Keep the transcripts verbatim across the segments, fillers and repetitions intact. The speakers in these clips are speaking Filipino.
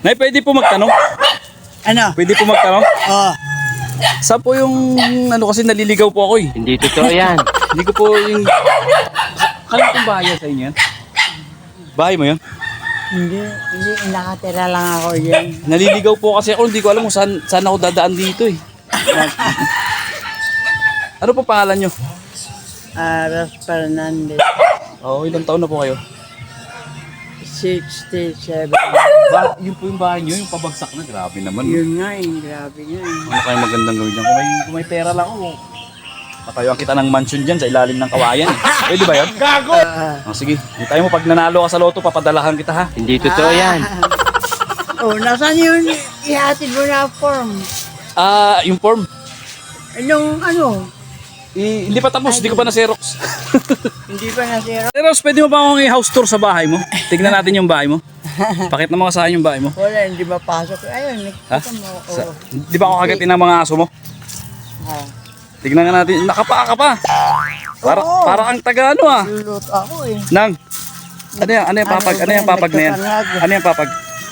Nay, pwede po magtanong? Ano? Pwede po magtanong? Oh, Saan po yung, ano kasi naliligaw po ako eh. Hindi totoo yan. Hindi ko po yung... Kaya kong bahay sa inyo yan? Bahay mo yun? hindi, hindi, nakatira lang ako yan. Naliligaw po kasi ako, hindi ko alam kung saan, saan ako dadaan dito eh. Ano po pangalan nyo? Ah, Ros Fernandez, Oo, oh, ilang taon na po kayo? sixty-seven. Ba, yun po yung bahay nyo, yung pabagsak na. Grabe naman. Yun nga eh, grabe nga eh. Ano kayong magandang gawin dyan? Kung may, kung may pera lang ako, patayuan kita ng mansion dyan sa ilalim ng kawayan eh. Pwede ba yun? Gago! Ah, Oh, sige, hintayin mo pag nanalo ka sa loto, papadalahan kita ha. Hindi totoo yan. oh, nasaan yun? Ihatid mo na form. Ah, yung form. Anong ano? I, hindi pa tapos, hindi ko pa na-xerox. Hindi pa nasira. Xerox, pwede mo ba akong i-house tour sa bahay mo? Tignan natin yung bahay mo. Pakita mo ka sa akin yung bahay mo. Wala, hindi mapasok. Ayun, Ha? nakita mo. Sa, Oh. di ba ako kagatin ng mga aso mo? Ah. Tignan nga natin. Nakapaa ka pa. Para, Oo. para ang taga ano ah. Lulot ako eh. Nang. Ano yan? Ano yung papag? Ano yung papag na yan? Ano yung papag?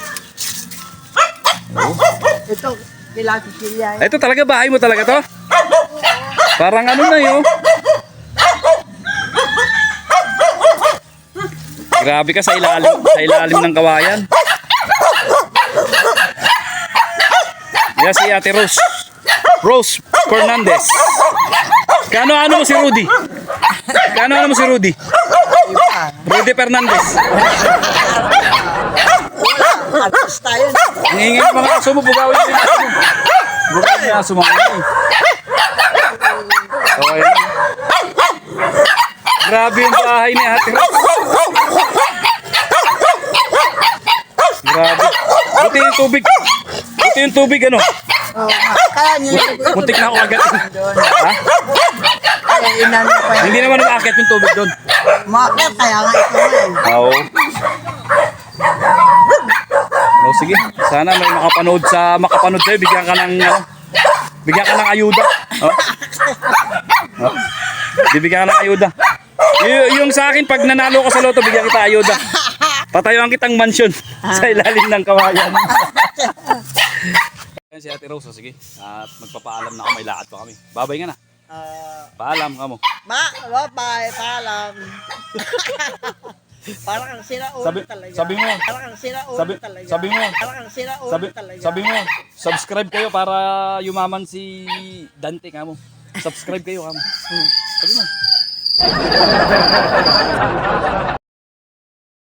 Ito, kila Cecilia. Ay, ito talaga bahay mo talaga to? Parang ano na yun. Grabe ka sa ilalim, sa ilalim ng kawayan. Yan si Ate Rose. Rose Fernandez. Kano ano mo si Rudy? Kano ano mo si Rudy? Rudy Fernandez. Atas tayo. Ang ingay ng mga aso mo, bugawin mo yung aso mo. Bugawin mo yung aso mo. Okay. Grabe yung bahay ni Ate Rose. Grabe. Buti yung tubig. Buti yung tubig ano. Oh, kaya niya. Muntik na ako agad. Doon. Ha? Kaya inano pa yun. Hindi naman umakit yung tubig doon. Makakit, kaya nga ito eh. Oo. Oh, sige. Sana may makapanood sa makapanood sa'yo. Bigyan ka ng ano, bigyan ka ng ayuda. Oh. Oh. Bibigyan ka ng ayuda. Y- yung sa akin, pag nanalo ka sa loto, bigyan kita ayuda. Patayuan kitang mansyon sa ilalim ng kawayan. Ayan si Ate Rose, oh, sige. At magpapaalam na ako, may lakad pa kami. Babay nga na. Ah, Paalam ka mo. ma, bye, paalam. Parang kang sira ulo Sabi, talaga. sabi mo, Parang kang sira ulo sabi, talaga. sabi mo, Parang kang sira ulo sabi, talaga. sabi mo, subscribe kayo para yumaman si Dante ka mo. Subscribe kayo ka mo. Sabi mo.